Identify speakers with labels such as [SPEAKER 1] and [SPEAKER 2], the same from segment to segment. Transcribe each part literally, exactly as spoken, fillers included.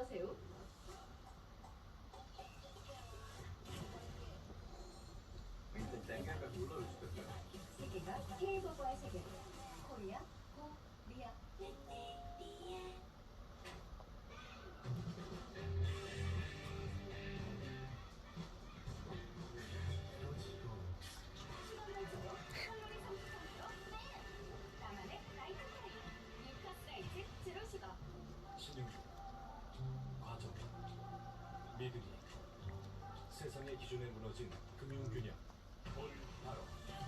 [SPEAKER 1] 어서오세요.
[SPEAKER 2] 일단 땡겨가 눌러줄 수 있어요.
[SPEAKER 1] 세계가 K-팝과의 세계. 코리아, 고, 리아. 나만의 라이트 타임. 뉴카 사이즈 제로 슈거.
[SPEAKER 3] 신윤주, 과정, 미드니, 세상의 기준에 무너진 금융균형, 올바로.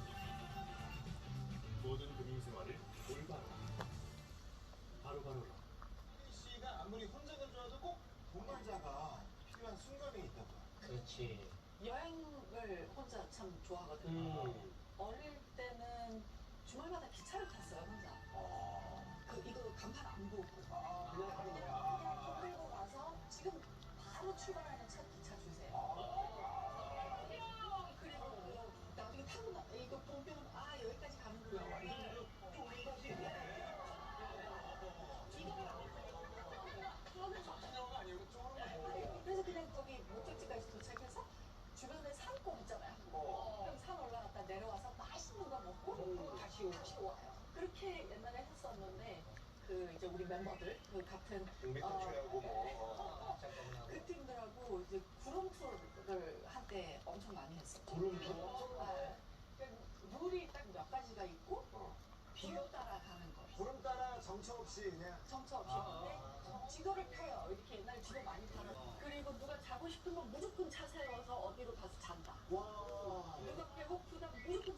[SPEAKER 3] 모든 금융생활을 올바로. 바로바로로.
[SPEAKER 4] 씨가 아무리 혼자 건조해도 꼭 동반자가 필요한 순간이 있다고.
[SPEAKER 5] 그렇지.
[SPEAKER 6] 여행을 혼자 참 좋아하거든요.
[SPEAKER 5] 음.
[SPEAKER 6] 어릴 때는 주말마다 기차를 탔어요, 혼자. 그, 이거 간판 안 보고. 그냥 그냥 끌고 와서 지금 바로 출발하는 첫 기차 주세요. 그리고 그 나중에 타고 나, 이거 보면, 아, 여기까지 가는구나.
[SPEAKER 4] 여기까지.
[SPEAKER 6] 그래서 그냥 거기 목적지까지 도착해서 주변에 산골 있잖아요.
[SPEAKER 4] 어.
[SPEAKER 6] 그럼 산 올라갔다 내려와서 맛있는 거 먹고 다시, 오- 다시 와요. 그렇게 옛날에 했었는데 그 이제 우리 멤버들 그 같은
[SPEAKER 4] 백화초하고
[SPEAKER 6] 네.
[SPEAKER 4] 뭐.
[SPEAKER 5] 잠깐만 하고.
[SPEAKER 6] 그 팀들하고 이제 구름 투어를 한때 엄청 많이 했었죠.
[SPEAKER 5] 구름 투어?
[SPEAKER 6] 네. 그러니까 룰이 딱 몇 가지가 있고
[SPEAKER 4] 어.
[SPEAKER 6] 비교 따라 가는 거.
[SPEAKER 4] 구름 따라 정처 없이 그냥.
[SPEAKER 6] 정처 없이 근데 지도를 펴요. 이렇게 옛날에 지도 많이 팔았어. 그리고 누가 자고 싶으면 무조건 차 세워서 어디로 가서 잔다.
[SPEAKER 4] 와.
[SPEAKER 6] 누가 배고프다 무조건